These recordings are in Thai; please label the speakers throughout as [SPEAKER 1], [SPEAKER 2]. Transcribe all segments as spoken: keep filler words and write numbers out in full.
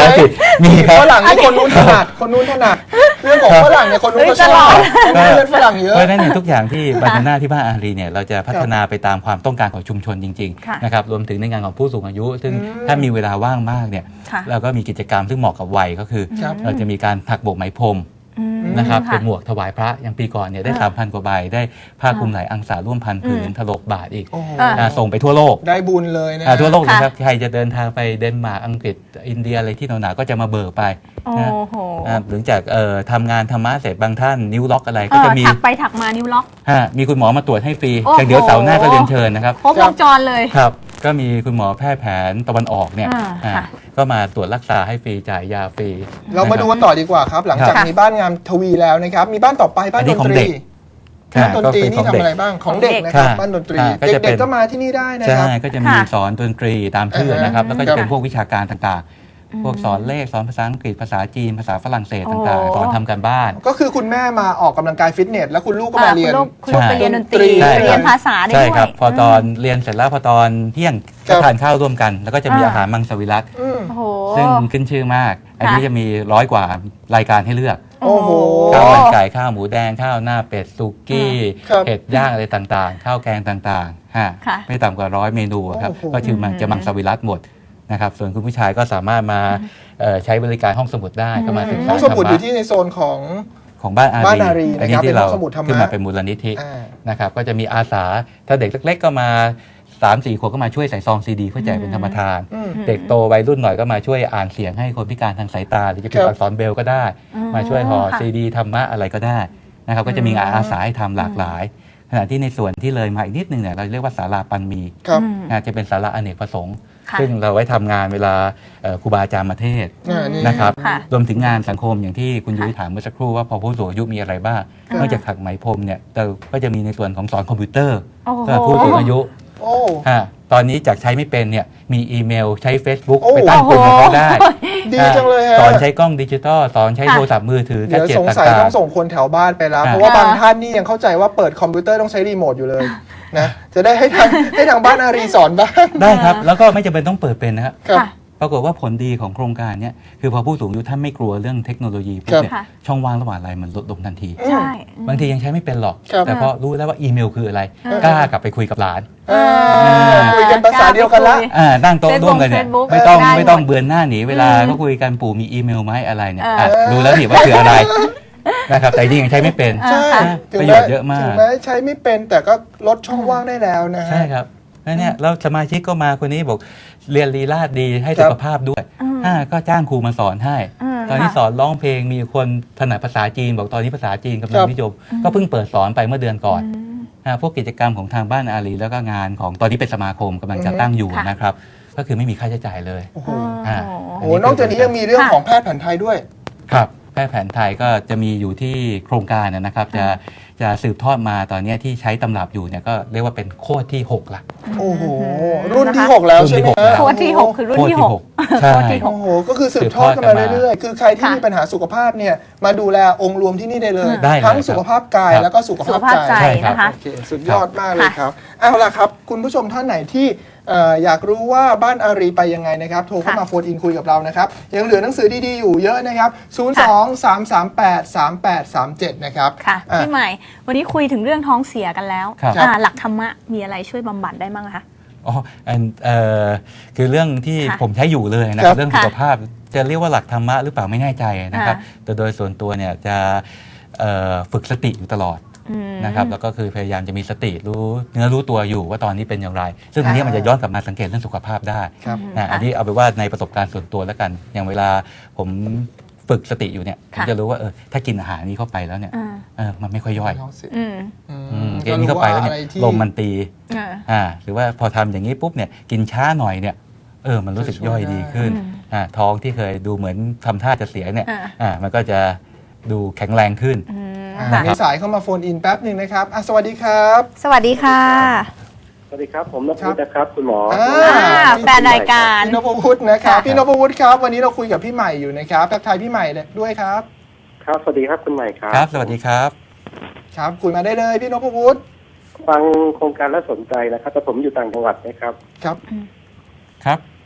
[SPEAKER 1] มีครับ
[SPEAKER 2] ฝรั่งนี่คนนู้นถนัดคนนู้นถนัดเรื่องของฝรั่งเนี่ยคนนู้นก็ชอบเรื่องฝรั่งเยอะ
[SPEAKER 1] เพราะฉะนั้นเนี่ยทุกอย่างที่บานาน่าที่บ้านอารีเนี่ยเราจะพัฒนาไปตามความต้องการของชุมชนจริงๆนะครับรวมถึงในงานของผู้สูงอายุซึ่งถ้ามีเวลาว่างมากเนี่ยเราก็มีกิจกรรมซึ่งเหมาะกับวัยก็คือเราจะมีการถักโบกไหมพรมนะครับเป็นหมวกถวายพระอย่างปีก่อนเนี่ยได้ สามพัน กว่าใบได้ผ้าคลุมหลายอังสาร่วมพันผืนถลกบาทอีกส่งไปทั่วโลก
[SPEAKER 2] ได้บุญเลยนะ
[SPEAKER 1] ทั่วโลกเลยครับใครจะเดินทางไปเดนมาร์กอังกฤษอินเดียอะไรที่หนาวๆก็จะมาเบิกไปนะหลังจากทำงานธรรมะเสร็จบางท่านนิ้วล็อกอะไรก็จะมี
[SPEAKER 3] ถักไปถักมานิ้วล็อก
[SPEAKER 1] มีคุณหมอมาตรวจให้ฟรีอย่างเดี๋ยวเสาร์หน้าก็เรียนเชิญนะครับ
[SPEAKER 3] ครบวงจรเลย
[SPEAKER 1] ครับก็มีคุณหมอแพทย์แผนตะวันออกเนี่ยก็มาตรวจรักษาให้ฟรีจ่ายยาฟรี
[SPEAKER 2] เรามาดูกันต่อดีกว่าครับหลังจากมีบ้านงามทวีแล้วนะครับมีบ้านต่อไปบ้านดนตรีบ้านดนตรีนี่ทำอะไรบ้างของเด็กนะครับบ้านดนตรีเด็กๆก็มาที่นี่ได้นะครับ
[SPEAKER 1] ใช่ก็จะมีสอนดนตรีตามชื่อนะครับแล้วก็จะเป็นพวกวิชาการต่างๆพวกสอนเลขสอนภาษาอังกฤษภาษาจีนภาษาฝรั่งเศสต่างๆสอนทำการบ้าน
[SPEAKER 2] ก็คือคุณแม่มาออกกำลังกายฟิตเนสแล้วคุณลูกก็มาเรียน
[SPEAKER 3] คุณลูกไปเรียนดนตรีเรียนภาษาได้ด้วย
[SPEAKER 1] ใช่ครับพอตอนเรียนเสร็จแล้วพอตอนเที่ยงก็ทานข้าวร่วมกันแล้วก็จะมีอาหารมังสวิรัติซึ่งขึ้นชื่อมากอันนี้จะมีร้อยกว่ารายการให้เลือกข้าวมันไก่ข้าวหมูแดงข้าวหน้าเป็ดซุกี้เห็ดย่างอะไรต่างๆข้าวแกงต่างๆฮะไม่ต่ำกว่าร้อยเมนูครับก็คือมันจะมังสวิรัติหมดนะครับส่วนคุณผู้ชายก็สามารถมาใช้บริการห้องสมุดได้ก็มาศึกษา
[SPEAKER 2] ห้องสมุดอยู่ที่ในโซนของ
[SPEAKER 1] ของบ้านอารี
[SPEAKER 2] อัน
[SPEAKER 1] นี้ที่เราขึ้นมาเป็นมูลนิธินะครับก็จะมีอาสาถ้าเด็กเล็กๆก็มาสามสี่ขวบก็มาช่วยใส่ซองซีดีเพื่อแจกเป็นธรรมทานเด็กโตวัยรุ่นหน่อยก็มาช่วยอ่านเสียงให้คนพิการทางสายตาหรือจะเป็นอักษรเบลก็ได้มาช่วยห่อซีดีธรรมะอะไรก็ได้นะครับก็จะมีงานอาสาให้ทำหลากหลายขณะที่ในส่วนที่เลยมาอีกนิดนึงเนี่ยเราเรียกว่าศาลาปันมีจะเป็นศาลาอเนกประสงค์ซึ่งเราไว้ทำงานเวลาครูบาอาจารย์มาเทศนะครับรวมถึงงานสังคมอย่างที่คุณยุ้ยถามเมื่อสักครู่ว่าพอผู้สูงอายุมีอะไรบ้างนอกจากถักไหมพรมเนี่ยเราก็จะมีในส่วนของสอนคอมพิวเตอร์สำหรับผู้สูงอายุตอนนี้จากใช้ไม่เป็นเนี่ยมีอีเมลใช้ Facebook ไปตั้งกลุ่มกับเขาได้
[SPEAKER 2] ดีจังเลย
[SPEAKER 1] สอนใช้กล้องดิจิตอลสอนใช้โทรศัพท์มือถือ
[SPEAKER 2] แกจิตต่างๆเดี๋ยวสงสัยต้องส่งคนแถวบ้านไปแล้วเพราะว่าบางท่านนี่ยังเข้าใจว่าเปิดคอมพิวเตอร์ต้องใช้รีโมทอยู่เลยนะจะได้ให้ทางให้ทางบ้านอารีสอนบ้าง
[SPEAKER 1] ได้ครับแล้วก็ไม่จำเป็นต้องเปิดเป็นนะครับปรากฏว่าผลดีของโครงการนี้คือพอผู้สูงอายุท่านไม่กลัวเรื่องเทคโนโลยีปุ๊บเนี่ยช่องว่างระหว่างอะไรมันลดลงทันทีบางทียังใช้ไม่เป็นหรอกแต่พอรู้แล้วว่าอีเมลคืออะไรกล้ากลับไปคุยกับหลาน
[SPEAKER 2] คุยกันภาษาเดียวกันละ
[SPEAKER 1] นั่งโต๊ะร่วมกันเนี่ยไม่ต้องไม่ต้องเบือนหน้าหนีเวลาก็คุยกันปู่มีอีเมลไหมอะไรเนี่ยรู้แล้วนี่ว่าคืออะไรนะครับแต่จริงยังใช้ไม่เป็นประโยชน์เยอะมาก
[SPEAKER 2] ถึงแม้ใช้ไม่เป็นแต่ก็ลดช่องว่างได้แล้วนะ
[SPEAKER 1] ใช่ครับนั่นเนี่ยแล้วสมาชิกก็มาคนนี้บอกเรียนลีลาดดีให้สุขภาพด้วยก็จ้างครูมาสอนให้ตอนนี้สอนร้องเพลงมีคนถนัดภาษาจีนบอกตอนนี้ภาษาจีนกำลังนิยมก็เพิ่งเปิดสอนไปเมื่อเดือนก่อนพวกกิจกรรมของทางบ้านอารีแล้วก็งานของตอนนี้เป็นสมาคมกำลังจะตั้งอยู่นะครับก็คือไม่มีค่าใช้จ่ายเลย
[SPEAKER 2] โอ้โหนอกจากนี้ยังมีเรื่องของแพทย์แผนไทยด้วย
[SPEAKER 1] ครับแพทย์แผนไทยก็จะมีอยู่ที่โครงการนะครับจะจะสืบทอดมาตอนนี้ที่ใช้ตำรับอยู่เนี่ยก็เรียกว่าเป็นโคตรที่หกละ
[SPEAKER 2] โอ้โหรุ่นที่หกแล้วใช่ไหม
[SPEAKER 3] โคตรที่หกคือรุ่นที่หก
[SPEAKER 1] ใช่
[SPEAKER 2] โอ้โหก็คือสืบทอดกันมาเรื่อยๆคือใครที่มีปัญหาสุขภาพเนี่ยมาดูแลองค์รวมที่นี่ได้เลยทั้งสุขภาพกายแล้วก็สุขภาพใจ
[SPEAKER 3] นะคะ
[SPEAKER 2] สุดยอดมากเลยครับเอาล่ะครับคุณผู้ชมท่านไหนที่อยากรู้ว่าบ้านอารีไปยังไงนะครับโทรเข้ามาโฟนอินคุยกับเรานะครับยังเหลือหนังสือดีๆอยู่เยอะนะครับศูนย์ สอง สาม สาม แปด สาม แปด สาม เจ็ดนะครับ
[SPEAKER 3] ค่ะพี่ใหม่วันนี้คุยถึงเรื่องท้องเสียกันแล้วหลักธรรมะมีอะไรช่วยบำบัดได้บ้างคะ
[SPEAKER 1] อ๋อเอ่อคือเรื่องที่ผมใช้อยู่เลยนะครับเรื่องสุขภาพจะเรียกว่าหลักธรรมะหรือเปล่าไม่แน่ใจนะครับแต่โดยส่วนตัวเนี่ยจะฝึกสติอยู่ตลอดนะครับแล้วก็คือพยายามจะมีสติรู้เนื้อรู้ตัวอยู่ว่าตอนนี้เป็นอย่างไรซึ่งอันนี้มันจะย้อนกลับมาสังเกตเรื่องสุขภาพได้นะอันนี้เอาไปว่าในประสบการณ์ส่วนตัวแล้วกันอย่างเวลาผมฝึกสติอยู่เนี่ยผมจะรู้ว่าเออถ้ากินอาหารนี้เข้าไปแล้วเนี่ยเออมันไม่ค่อยย่อยกินนี้เข้าไปแล้วเนี่ยลมมันตีอ่าหรือว่าพอทำอย่างนี้ปุ๊บเนี่ยกินช้าหน่อยเนี่ยเออมันรู้สึกย่อยดีขึ้นอ่าท้องที่เคยดูเหมือนทำท่าจะเสียเนี่ยอ่ามันก็จะดูแข็งแรงขึ้น
[SPEAKER 2] มีสายเข้ามาโฟนอินแป๊บหนึ่งนะครับสวัสดีครับ
[SPEAKER 3] สวัสดีค่ะ
[SPEAKER 4] สวัสดีครับผมนพวุฒินะครับคุณหมอ
[SPEAKER 3] แฟนรายการ
[SPEAKER 2] พี่นพวุฒินะครับพี่นพวุฒิครับวันนี้เราคุยกับพี่ใหม่อยู่นะครับทักทายพี่ใหม่ด้วยครับ
[SPEAKER 4] ครับสวัสดีครับคุณใหม่ครับ
[SPEAKER 1] ครับสวัสดีครับ
[SPEAKER 2] ครับคุยมาได้เลยพี่นพวุฒิ
[SPEAKER 4] ฟังโครงการแล้วสนใจนะครับแต่ผมอยู่ต่างจังหวัดนะครับ
[SPEAKER 2] ครับ
[SPEAKER 1] ครับ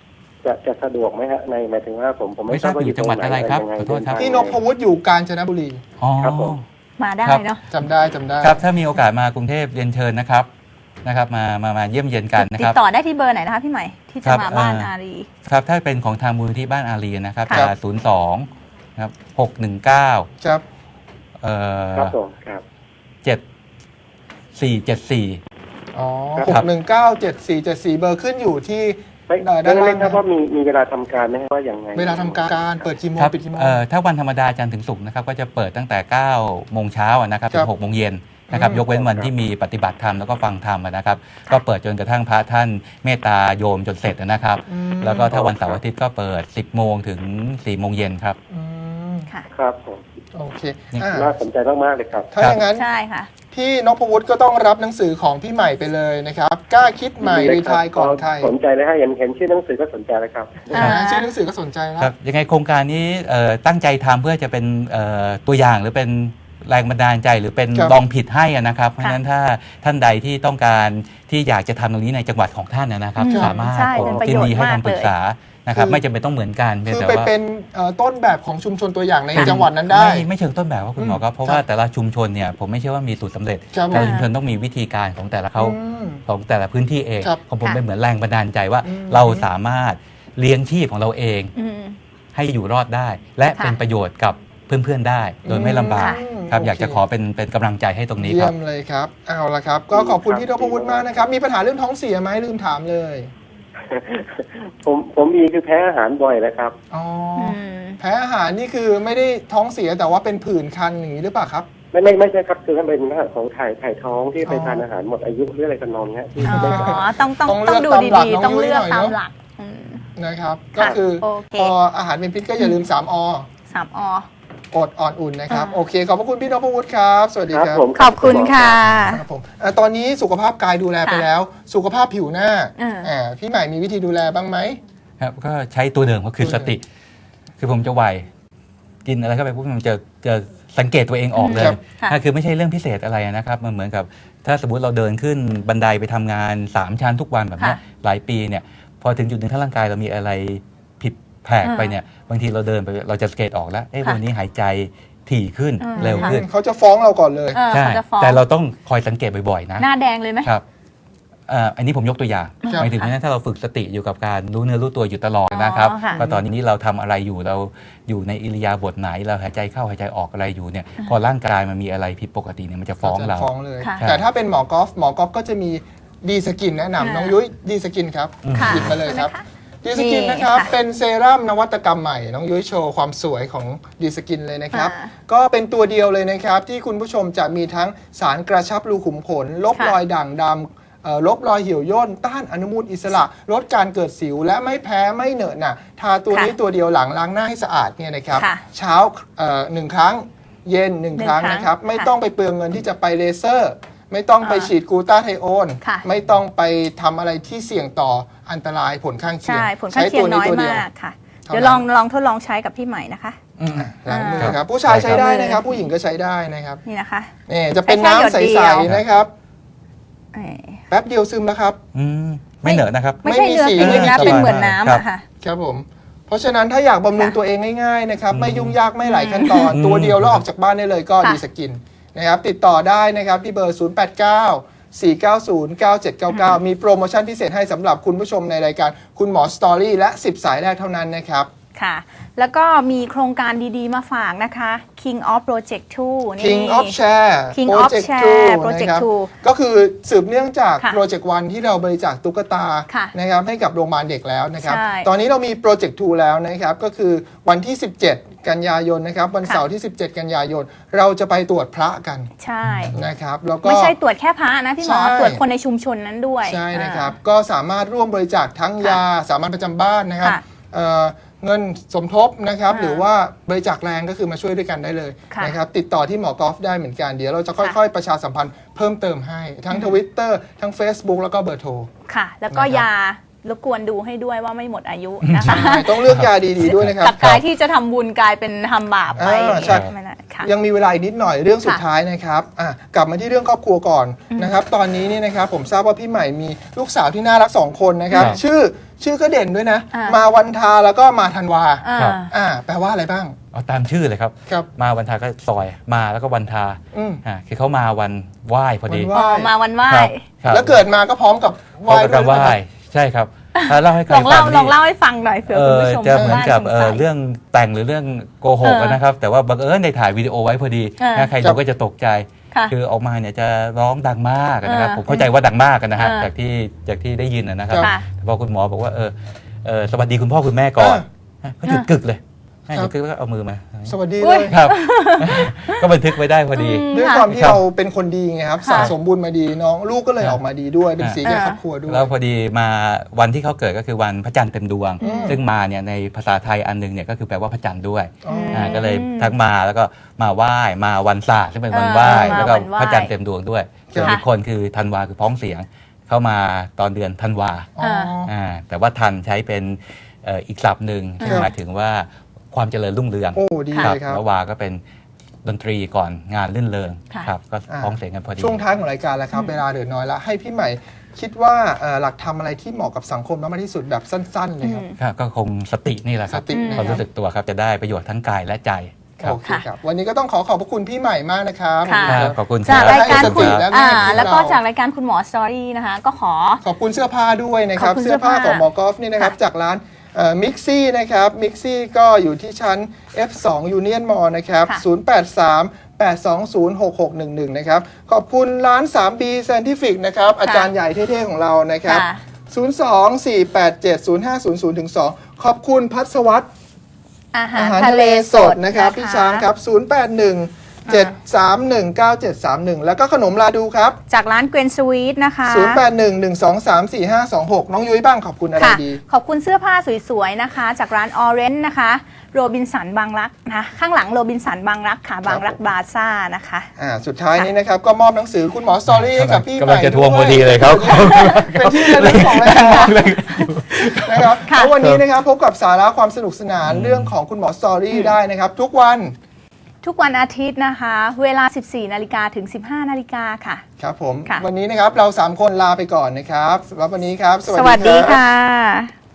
[SPEAKER 4] จะจะสะดวกไหมฮะในหมายถึงว่าผมผม
[SPEAKER 1] ไม่
[SPEAKER 4] ไม่
[SPEAKER 1] ทราบอยู่จังหวัดอะไรครับ
[SPEAKER 4] ยังไง
[SPEAKER 1] ขอโทษครับ
[SPEAKER 2] พี่นพวุฒิอยู่กาญจนบุรี
[SPEAKER 1] อ๋อ
[SPEAKER 4] ครับผม
[SPEAKER 3] มาได้เนาะ
[SPEAKER 2] จำได้จำได้
[SPEAKER 1] ครับถ้ามีโอกาสมากรุงเทพเรียนเชิญนะครับนะครับมามามาเยี่ยมเยียนกันนะ
[SPEAKER 3] ติ
[SPEAKER 1] ค
[SPEAKER 3] ด
[SPEAKER 1] รับ
[SPEAKER 3] ต่อได้ที่เบอร์ไหนนะคะพี่ใหม่ที่
[SPEAKER 1] ครั
[SPEAKER 3] จะ
[SPEAKER 1] บ
[SPEAKER 3] มาบ้าน
[SPEAKER 1] เอ่ออ
[SPEAKER 3] อารี
[SPEAKER 1] ครับถ้าเป็นของทางมูลที่บ้านอารีนะครับ
[SPEAKER 3] ครั
[SPEAKER 1] จะ
[SPEAKER 3] บ
[SPEAKER 1] ศูนย์สองครับหกหนึ่งเก้า
[SPEAKER 2] ครับ
[SPEAKER 1] เอ่อ
[SPEAKER 4] ครับผมครับ
[SPEAKER 1] เจ็ดสี่เจ็ดสี่
[SPEAKER 2] อ๋อ
[SPEAKER 4] ค
[SPEAKER 2] ห
[SPEAKER 4] รั
[SPEAKER 2] ก
[SPEAKER 4] บ
[SPEAKER 2] หนึ่งเก้าเจ็ดสี่เจ็ดสี่เบอร์ขึ้นอยู่ที่
[SPEAKER 4] ไม่
[SPEAKER 2] เอ่อด้า
[SPEAKER 4] ด้าน น
[SPEAKER 2] ล่า
[SPEAKER 4] ล่าง งครับว่ามีมีเวลาทำการไหมฮะว่าอย่างไง
[SPEAKER 2] เวลาทำการเปิดกี่โมง
[SPEAKER 1] ครับ
[SPEAKER 2] ปิดกี่โมง
[SPEAKER 1] เอ่อถ้าวันธรรมดาจันทร์ถึงศุกร์นะครับก็จะเปิดตั้งแต่เก้าโมงเช้าอะนะครับ
[SPEAKER 2] ค
[SPEAKER 1] ถึ
[SPEAKER 2] รับ
[SPEAKER 1] งหกโมงเย็นนะครับ
[SPEAKER 2] อืม
[SPEAKER 1] ยกเว้นวันที่มีปฏิบัติธรรมแล้วก็ฟังธรรมอะนะครับ ก็เปิดจนกระทั่งพระท่านเมตตาโยมจนเสร็จนะครับ
[SPEAKER 2] อืม
[SPEAKER 1] แล้วก็ถ้าวันเสาร์อาทิตย์ก็เปิด สิบโมงถึงสี่โมงเย็นครับ
[SPEAKER 2] อืม
[SPEAKER 3] ค่ะ
[SPEAKER 4] ครับผม
[SPEAKER 2] โอเค
[SPEAKER 1] นี่
[SPEAKER 2] อ่า
[SPEAKER 4] น่าสนใจมากๆเลยครับ
[SPEAKER 2] ถ้าอย่างนั้น
[SPEAKER 3] ใช่ค่ะ
[SPEAKER 2] พี่นพวุฒิก็ต้องรับหนังสือของพี่ใหม่ไปเลยนะครับกล้าคิดใหม่รีไทายก่อนใคร
[SPEAKER 4] สนใจเลยฮะเห็นเห็นชื่อหนังสือก็สนใจแล้วครับ
[SPEAKER 3] อ่า
[SPEAKER 2] ชื่อหนังสือก็สนใจแล้ว
[SPEAKER 1] ครับยังไงโครงการนี้เอ่อตั้งใจทำเพื่อจะเป็นเอ่อตัวอย่างหรือเป็นแรงบันดาลใจหรือเป็น
[SPEAKER 2] ครับ
[SPEAKER 1] ลองผิดให้อะนะครับ เพราะฉะนั้นถ้าท่านใดที่ต้องการที่อยากจะทำตรงนี้ในจังหวัดของท่านนะครับ
[SPEAKER 3] อืม
[SPEAKER 1] สามารถ
[SPEAKER 3] ใช่เป็นประโยชน์
[SPEAKER 1] ยินดีให้
[SPEAKER 3] มาก
[SPEAKER 1] คำปรึกษานะครับ
[SPEAKER 2] คือ
[SPEAKER 1] ไม่จำเป็นต้องเหมือนกันเพียง
[SPEAKER 2] คือ
[SPEAKER 1] แต่
[SPEAKER 2] ไป
[SPEAKER 1] ว่า
[SPEAKER 2] เป็นเอ่อต้นแบบของชุมชนตัวอย่างในจังหวัดนั้นได้
[SPEAKER 1] ไม่ไม่เชิงต้นแบบว่าคุณหมอครับเพราะว่า
[SPEAKER 2] ครับ
[SPEAKER 1] แต่ละชุมชนเนี่ยผมไม่เชื่อว่ามีสูตรสำเร็จ
[SPEAKER 2] ครับ
[SPEAKER 1] แต่ละชุมชนต้องมีวิธีการของแต่ละเขา
[SPEAKER 2] อืม
[SPEAKER 1] ของแต่ละพื้นที่เอง
[SPEAKER 2] ครับ
[SPEAKER 1] ของผม
[SPEAKER 3] ค่ะ
[SPEAKER 1] เป็นเหมือนแรงบันดาลใจว่า
[SPEAKER 2] อืม
[SPEAKER 1] เราสามารถเลี้ยงชีพของเราเอง
[SPEAKER 3] อืม
[SPEAKER 1] ให้อยู่รอดได้ และ
[SPEAKER 3] ค่ะ
[SPEAKER 1] เป็นประโยชน์กับเพื่อนๆได้ โดยไม่ลำบาก
[SPEAKER 2] อืม
[SPEAKER 1] ครับ
[SPEAKER 2] โอเค
[SPEAKER 1] อยากจะขอเป็นเป็นกำลังใจให้ตรงนี้ค
[SPEAKER 2] เยี่
[SPEAKER 1] รั
[SPEAKER 2] ย
[SPEAKER 1] บ
[SPEAKER 2] มเลยครับเอาละครับ ก็ขอบคุณพี่นพวุฒิมากนะครับ มีปัญหาเรื่องท้องเสียไหมลืมถามเลย
[SPEAKER 4] ผมผมมีคือแพ้อาหารบ่อยแล้วครับ
[SPEAKER 2] อ๋ออ
[SPEAKER 3] อืม
[SPEAKER 2] แพ้อาหารนี่คือไม่ได้ท้องเสียแต่ว่าเป็นผื่นคันอย่างนี้หรือเปล่าครับ
[SPEAKER 4] ไม่ไม่ไม่ใช่ครับคือมันเป็นเรื่องของถ่ายถ่ายท้องที่ไป
[SPEAKER 2] อ๋อ
[SPEAKER 4] ทานอาหารหมดอายุหรืออะไรกันนองเนี้ยที่
[SPEAKER 3] อ๋
[SPEAKER 4] ไม่ได้
[SPEAKER 3] อต้องต้อง
[SPEAKER 2] ต้องเลื
[SPEAKER 3] ต้อ
[SPEAKER 2] อก
[SPEAKER 3] งดู
[SPEAKER 2] ตามหลัก
[SPEAKER 3] ดี
[SPEAKER 2] น้อง
[SPEAKER 3] ๆ ต้อง
[SPEAKER 2] ยุ้ย
[SPEAKER 3] เลือก
[SPEAKER 2] หน่อย
[SPEAKER 3] ตาม
[SPEAKER 2] เนอะ
[SPEAKER 3] หลักอืม
[SPEAKER 2] นะครับ
[SPEAKER 3] ค่ะ
[SPEAKER 2] ก็คือ
[SPEAKER 3] โอเค
[SPEAKER 2] พออาหารเป็นพิษก็อย่าลืม สาม อ
[SPEAKER 3] สามอ
[SPEAKER 2] อดอ่อนอุ่นนะครับ
[SPEAKER 3] อ่า
[SPEAKER 2] โอเค ขอบพระคุณพี่นพวุฒิครับ สวัสดี
[SPEAKER 4] ครับ
[SPEAKER 2] ครับ
[SPEAKER 4] ผม
[SPEAKER 3] ขอบคุณค่ะ
[SPEAKER 2] ครับผมอ่ะตอนนี้สุขภาพกายดูแลไป
[SPEAKER 3] ค่ะ
[SPEAKER 2] แล้ว สุขภาพผิวหน้า
[SPEAKER 3] อ่า
[SPEAKER 2] อ่าพี่ใหม่มีวิธีดูแลบ้างไหม
[SPEAKER 1] ครับก็ใช้ตัวเดิมก็คือสติ คือผมจะไหวกินอะไรเข้าไปปุ๊บมันจะจะสังเกตตัวเองออกเลย
[SPEAKER 2] ครับ
[SPEAKER 3] ค่ะ
[SPEAKER 1] ถ้าคือไม่ใช่เรื่องพิเศษอะไรนะครับมันเหมือนกับ ถ้าสมมติเราเดินขึ้นบันไดไปทำงานสามชั้นทุกวันแบบเนี้ย
[SPEAKER 3] ค่ะ
[SPEAKER 1] หลายปีเนี่ยพอถึงจุดหนึ่งถ้าร่างกายเรามีอะไรผิดแผกไปเนี่ยบางทีเราเดินไปเราจะสังเกตออกแล้วเอ้
[SPEAKER 3] ค่ะ
[SPEAKER 1] วันนี้หายใจถี่ขึ้น
[SPEAKER 3] อืม
[SPEAKER 1] เร็วขึ้น
[SPEAKER 2] เขาจะฟ้องเราก่อนเลย
[SPEAKER 3] เออ
[SPEAKER 1] ใช่
[SPEAKER 3] เขาจะฟ้อง
[SPEAKER 1] แต่เราต้องคอยสังเกตบ่อยๆนะ
[SPEAKER 3] หน้าแดงเลยไหม
[SPEAKER 1] ครับเอ่ออันนี้ผมยกตัวอย่าง
[SPEAKER 2] ครับ
[SPEAKER 1] หมายถึงว่าถ้าเราฝึกสติอยู่กับการรู้เนื้อรู้ตัวอยู่ตลอดนะครับ
[SPEAKER 3] อ๋อค่ะ
[SPEAKER 1] ว่าตอนนี้เราทำอะไรอยู่เราอยู่ในอิริยาบถไหนเราหายใจเข้าหายใจออกอะไรอยู่เนี่ยพอร่างกายมันมีอะไรผิดปกติเนี่ยมันจะฟ้องเรา
[SPEAKER 2] จะฟ้องเลย
[SPEAKER 3] ค่ะ
[SPEAKER 2] แต่ถ้าเป็นหมอกอล์ฟหมอกอล์ฟก็จะมีดีสกินแนะนำ
[SPEAKER 3] ค่ะ
[SPEAKER 2] น้องยุ้ยดีสกินครับ
[SPEAKER 3] ค่ะ
[SPEAKER 2] หยิบมาเลยครับ
[SPEAKER 3] ใช่ไหมคะ
[SPEAKER 2] ดีสกิน
[SPEAKER 3] นี่
[SPEAKER 2] นะครับ
[SPEAKER 3] ค่ะ
[SPEAKER 2] เป็นเซรั่มนวัตกรรมใหม่ น้องยุ้ยโชว์ความสวยของดีสกินเลยนะครับ
[SPEAKER 3] ค่ะ
[SPEAKER 2] ก็เป็นตัวเดียวเลยนะครับ ที่คุณผู้ชมจะมีทั้งสารกระชับรูขุมขน ลบ
[SPEAKER 3] ค่ะ
[SPEAKER 2] รอยด่างดำเอ่อลบรอยเหี่ยวย่นต้านอนุมูลอิสระ ลดการเกิดสิว และไม่แพ้ไม่เหนอะหนะทาตัวนี้ตัวเดียวหลังล้างหน้าให้สะอาดเนี่ยนะครับ
[SPEAKER 3] ค่ะ
[SPEAKER 2] เช้าเอ่อหนึ่งครั้งเย็นหนึ่ง
[SPEAKER 3] หนึ่ง
[SPEAKER 2] ครั้ง
[SPEAKER 3] ครั้ง
[SPEAKER 2] นะครับ ไม่
[SPEAKER 3] ค่ะ
[SPEAKER 2] ต้องไปเปลืองเงินที่จะไปเลเซอร์ ไม่ต้องไป
[SPEAKER 3] อ่า
[SPEAKER 2] ฉีดกลูตาไทโอน
[SPEAKER 3] ค่ะ
[SPEAKER 2] ไม่ต้องไปทำอะไรที่เสี่ยงต่ออันตรายผลข้างเคียง
[SPEAKER 3] ใช่ผลข้างเคียงน้อย
[SPEAKER 2] ตัวนี้
[SPEAKER 3] มากค่ะ
[SPEAKER 2] เท่านั้น
[SPEAKER 3] เดี๋ยวลองลองทดลองใช้กับพี่ใหม่นะคะ
[SPEAKER 1] อืม
[SPEAKER 2] ล้างมือ
[SPEAKER 1] ครับ
[SPEAKER 2] ครับผู้ชายใช้ได้
[SPEAKER 3] ใช้
[SPEAKER 2] นะครับ ผู้หญิงก็ใช้ได้นะครับ
[SPEAKER 3] นี่นะคะ
[SPEAKER 2] นี่จะเป็น
[SPEAKER 3] ใช้
[SPEAKER 2] น้ำ
[SPEAKER 3] แค่หยด
[SPEAKER 2] ใส
[SPEAKER 3] เดียว
[SPEAKER 2] ๆนะครับ
[SPEAKER 3] เอ่อ
[SPEAKER 2] แป๊บเดียวซึมแล้วครับ
[SPEAKER 1] อืมไม่เหนอะนะครับ
[SPEAKER 3] ไม่ใช่
[SPEAKER 2] ไม่มี
[SPEAKER 3] เนื้อ
[SPEAKER 2] สี
[SPEAKER 3] ครีม
[SPEAKER 2] ไม่มี
[SPEAKER 3] นะ
[SPEAKER 2] สี
[SPEAKER 3] เป็นเหมือนน้ำ
[SPEAKER 1] ครับ
[SPEAKER 3] อะค่ะ
[SPEAKER 2] ครับผม เพราะฉะนั้นถ้าอยากบำรุง
[SPEAKER 3] ค่ะ
[SPEAKER 2] ตัวเองง่ายๆนะครับ ไม่ยุ่งยากไม่หลาย
[SPEAKER 3] อืม
[SPEAKER 2] ขั้นตอน
[SPEAKER 1] อืม
[SPEAKER 2] ตัวเดียวแล้วออกจากบ้านได้เลยก็
[SPEAKER 3] ค่ะ
[SPEAKER 2] ดีสกินนะครับติดต่อได้นะครับที่เบอร์ ศูนย์ แปด เก้า สี่ เก้า ศูนย์ เก้า เจ็ด เก้า เก้า มีโปรโมชั่นพิเศษให้สำหรับคุณผู้ชมในรายการคุณหมอสตอรี่และ สิบ สายแรกเท่านั้นนะครับ
[SPEAKER 3] ค่ะ แล้วก็มีโครงการดีๆมาฝากนะคะ King of Project ทูนี่
[SPEAKER 2] King of Share
[SPEAKER 3] King of
[SPEAKER 2] Project
[SPEAKER 3] Share
[SPEAKER 2] ทู
[SPEAKER 3] Project
[SPEAKER 2] นะครับ
[SPEAKER 3] ทู
[SPEAKER 2] ก็คือสืบเนื่องจาก
[SPEAKER 3] ค่ะ
[SPEAKER 2] โปรเจกต์วันที่เราบริจาคตุ๊กตา
[SPEAKER 3] ค่ะ
[SPEAKER 2] นะครับให้กับโรงพยาบาลเด็กแล้วนะครับ
[SPEAKER 3] ใช่
[SPEAKER 2] ตอนนี้เรามีโปรเจกต์ทูแล้วนะครับ ก็คือวันที่ สิบเจ็ด กันยายนนะครับ วันเสาร์ที่ สิบเจ็ด กันยายน เราจะไปตรวจพระกัน
[SPEAKER 3] ใช่
[SPEAKER 2] นะครับแล้วก็
[SPEAKER 3] ไม่ใช่ตรวจแค่พระนะพี่หมอ
[SPEAKER 2] ใช่
[SPEAKER 3] ตรวจคนในชุมชนนั้นด้วย
[SPEAKER 2] ใช่นะครับ
[SPEAKER 3] อ่
[SPEAKER 2] ก็สามารถร่วมบริจาคทั้งยาสามัญประจำบ้านนะครับ
[SPEAKER 3] ค่ะ
[SPEAKER 2] เอ่อเงินสมทบนะครับ
[SPEAKER 3] อ่า
[SPEAKER 2] หรือว่าบริจาคแรงก็คือมาช่วยด้วยกันได้เลย
[SPEAKER 3] ค่ะ
[SPEAKER 2] นะครับติดต่อที่หมอกอล์ฟได้เหมือนกัน เดี๋ยวเราจะค่
[SPEAKER 3] ค่ะ
[SPEAKER 2] อยๆ ประชาสัมพันธ์เพิ่มเติมให้ทั้ง Twitter ทั้ง Facebook แล้วก็เบอร์โทร
[SPEAKER 3] ค่ะ แล้วก็
[SPEAKER 2] นะครับ
[SPEAKER 3] ยารบกวนดูให้ด้วยว่าไม่หมดอายุนะคะ
[SPEAKER 2] ใช่ต้องเลือกยาดีๆด้วยนะครับ
[SPEAKER 3] กับกายที่จะทำบุญกลายเป็นทำบาปไป
[SPEAKER 2] อ่าใช่
[SPEAKER 3] ไม่ได้ค่ะ
[SPEAKER 2] ยังมีเวลาอีกนิดหน่อยเรื่องสุด
[SPEAKER 3] ค่ะ
[SPEAKER 2] ท้ายนะครับอ่ะกลับมาที่เรื่องครอบครัวก่อนนะครับตอนนี้นี่นะครับผมทราบว่าพี่ใหม่มีลูกสาวที่น่ารักสองคนนะครับ
[SPEAKER 1] ครับ
[SPEAKER 2] ชื่อชื่อก็เด่นด้วยนะ
[SPEAKER 3] อ่าม
[SPEAKER 2] มาวันทาแล้วก็มาธันวา
[SPEAKER 3] อ่า
[SPEAKER 1] ครับ
[SPEAKER 2] อ่าแปลว่าอะไรบ้าง
[SPEAKER 1] เอาตามชื่อเลยครับ
[SPEAKER 2] ครับ
[SPEAKER 1] มาวันทาก็ซอยมาแล้วก็วันทา
[SPEAKER 2] อืม
[SPEAKER 1] อ่าคือเขามาวันไหว้พอดี
[SPEAKER 2] วันไหว้
[SPEAKER 3] อ๋อมาวันไหว้
[SPEAKER 1] ครับครับ
[SPEAKER 2] แล้วเกิดมาก็พร้อมกับไห
[SPEAKER 1] พร้อ
[SPEAKER 2] ว้
[SPEAKER 1] มกับ
[SPEAKER 2] ด้วย
[SPEAKER 1] ไหว้
[SPEAKER 2] นะครับ
[SPEAKER 1] ใช่ครับอ่าเล่าให้ใคร
[SPEAKER 3] ลอง
[SPEAKER 1] ฟั
[SPEAKER 3] เล่าง ล
[SPEAKER 1] นี่
[SPEAKER 3] องเล่าให้ฟังหน่อยเผื่อ
[SPEAKER 1] เอ
[SPEAKER 3] คุณ
[SPEAKER 1] อ
[SPEAKER 3] ผู้ชม
[SPEAKER 1] จะเหมือนกับ
[SPEAKER 3] ทาง
[SPEAKER 1] เอ
[SPEAKER 3] บ้า
[SPEAKER 1] อน
[SPEAKER 3] สงสัย
[SPEAKER 1] เรื่องแต่งหรือเรื่องโกหก
[SPEAKER 3] เออ
[SPEAKER 1] นะครับ แต่ว่าบังเอิญในถ่ายวิดีโอไว้พอดี
[SPEAKER 3] เออ
[SPEAKER 1] นะใครดูก็จะตกใจ
[SPEAKER 3] ค่ะ
[SPEAKER 1] คือออกมาเนี่ยจะร้องดังมากนะครับ
[SPEAKER 3] เออ
[SPEAKER 1] ผมเข้าใจว่าดังมากนะฮะ
[SPEAKER 3] เออ
[SPEAKER 1] จากที่จากที่ได้ยินนะครับ
[SPEAKER 3] ค่ะ
[SPEAKER 1] แต่พอคุณหมอบอกว่าเออเออสวัสดีคุณพ่อคุณแม่ก่อน
[SPEAKER 2] เออ
[SPEAKER 1] เขาหยุดกึกเลยให้
[SPEAKER 2] ค
[SPEAKER 1] ห
[SPEAKER 2] รั
[SPEAKER 1] ยุ
[SPEAKER 2] บ
[SPEAKER 1] ดกึกแล้วก็เอามือมา
[SPEAKER 2] สวัสดี
[SPEAKER 3] อุ๊
[SPEAKER 2] เลย ย
[SPEAKER 1] ครับ ก็บันทึกไว้ได้พอดี
[SPEAKER 3] อืม
[SPEAKER 2] ด้วยความที่
[SPEAKER 1] ครับ
[SPEAKER 2] เราเป็นคนดีไงครับ
[SPEAKER 3] ค่ะ
[SPEAKER 2] สะสมบุญมาดีน้องลูกก็เลย
[SPEAKER 1] ครับ
[SPEAKER 2] ออกมาดีด้วยเป็นสีแก่
[SPEAKER 3] อ่า
[SPEAKER 2] ครอบครัวด้วย
[SPEAKER 1] แล้วพอดีมาวันที่เขาเกิดก็คือวันพระจันทร์เต็มดวง
[SPEAKER 2] อืม
[SPEAKER 1] ซึ่งมาเนี่ยในภาษาไทยอันหนึงเนี่ยก็คือแปลว่าพระจันทร์ด้วย
[SPEAKER 2] อ๋อ
[SPEAKER 1] อ่าก็เลยทั้งมาแล้วก็มาไหว้มาวันศาสตร์ซึ่งเป็นวันไหว้
[SPEAKER 3] อ่า
[SPEAKER 1] แล้วก็
[SPEAKER 3] มาวันไหว้
[SPEAKER 1] พระจันทร์เต็มดวงด้วยส่วน
[SPEAKER 3] ค่ะ
[SPEAKER 1] อีกคนคือธันวาคือพ้องเสียงเข้ามาตอนเดือนธันวา
[SPEAKER 2] อ๋อ
[SPEAKER 1] อ่าแต่ว่าทันใช้เป็นเอ่ออีกศัพท์หนึ่งซึ่ง
[SPEAKER 2] ครับ
[SPEAKER 1] หมายถึงว่าความเจริญรุ่งเรือง
[SPEAKER 2] โอ้ดีเลยครับ
[SPEAKER 1] แล้ววาก็เป็นดนตรีก่อนงานลื่นเริง
[SPEAKER 3] ค่ะ
[SPEAKER 1] ครับก็
[SPEAKER 2] อ่า
[SPEAKER 1] พ้องเสียงกันพอดี
[SPEAKER 2] ช่วงท้ายของรายการแล้วครับ เวลาเหลือน้อยแล้วให้พี่ใหม่คิดว่าเอ่อหลักธรรมอะไรที่เหมาะกับสังคมมากที่สุดแบบสั้น ๆ เลยครับ
[SPEAKER 1] ครับก็คงสตินี่แหละครับ
[SPEAKER 2] สตินะ
[SPEAKER 1] ความ
[SPEAKER 2] ครับ
[SPEAKER 1] รู้สึกตัวครับจะได้ประโยชน์ทั้งกายและใจครับ
[SPEAKER 2] โอเคครับ วันนี้ก็ต้องขอขอบพระคุณพี่ใหม่มากนะครับ
[SPEAKER 3] ค่ะ
[SPEAKER 1] ครับขอบคุณค
[SPEAKER 3] จาก
[SPEAKER 1] บ
[SPEAKER 3] รายการคุณ
[SPEAKER 2] ให้สติและ
[SPEAKER 3] อ่า
[SPEAKER 2] แง่คิด
[SPEAKER 3] แล้วก็
[SPEAKER 2] เรา
[SPEAKER 3] จากรายการคุณหมอสตอรี่นะคะ ก็ขอ
[SPEAKER 2] ขอบคุณเสื้อผ้าด้วยนะครับ
[SPEAKER 3] ขอบคุณ
[SPEAKER 2] เสื้อผ้า
[SPEAKER 3] เสื้อผ้า
[SPEAKER 2] ของหมอกอล์ฟนี่นะครับ
[SPEAKER 3] ค่ะ
[SPEAKER 2] จากร้านมิกซี่นะครับมิกซี่ก็อยู่ที่ชั้น เอฟ สอง Union Mall นะครับ
[SPEAKER 3] ค่ะ
[SPEAKER 2] ศูนย์ แปด สาม แปด สอง ศูนย์ หก หก หนึ่ง หนึ่ง นะครับ ขอบคุณร้าน ทรี บี Scientific นะครับ อาจารย์ใหญ่เท่ๆของเรานะครับ
[SPEAKER 3] ค่ะ
[SPEAKER 2] ศูนย์ สอง สี่ แปด เจ็ด ศูนย์ ห้า ศูนย์ ศูนย์ ถึง สอง ขอบคุณพัสวัต
[SPEAKER 3] อาหา
[SPEAKER 2] อาร หาร
[SPEAKER 3] ทะ
[SPEAKER 2] ทะ
[SPEAKER 3] เล
[SPEAKER 2] เล
[SPEAKER 3] ส
[SPEAKER 2] ส
[SPEAKER 3] ด
[SPEAKER 2] ดนะครับพี่ช้างครับ ศูนย์ แปด หนึ่ง เจ็ด สาม หนึ่ง เก้า เจ็ด สาม หนึ่ง แล้วก็ขนมลาดูครับ
[SPEAKER 3] จากร้านเกรนสวีทนะคะ
[SPEAKER 2] ศูนย์ แปด หนึ่ง หนึ่ง สอง สาม สี่ ห้า สอง หก น้องยุ้ยบ้างขอบคุณอะไร
[SPEAKER 3] ค่ะ
[SPEAKER 2] ดี
[SPEAKER 3] ขอบคุณเสื้อผ้าสวยๆนะคะ จากร้านออเรนจ์นะคะโรบินสันบางรักนะคะข้างหลังโรบินสันบางรักค่ะบางรักบาซ่านะคะ
[SPEAKER 2] อ่าสุดท้ายนี้นะครับก็มอบหนังสือคุณหมอสตอรี่ให้กับพี่
[SPEAKER 1] กำลังจะทวงพอดีเลยครับ
[SPEAKER 2] เป็นที่ระลึกของรายการนะครับ
[SPEAKER 3] ค่ะ
[SPEAKER 2] แล้ววันนี้นะครับพบกับสาระความสนุกสนานเรื่องของคุณหมอสตอรี่ได้นะครับ ทุกวัน
[SPEAKER 3] ทุกวันอาทิตย์นะคะ เวลา สิบสี่นาฬิกาถึง สิบห้านาฬิกาค่ะ
[SPEAKER 2] ครับผม
[SPEAKER 3] ค่ะ
[SPEAKER 2] วันนี้นะครับเราสามคนลาไปก่อนนะครับสำหรับวันนี้ครับ
[SPEAKER 3] สวัสดีค่ะ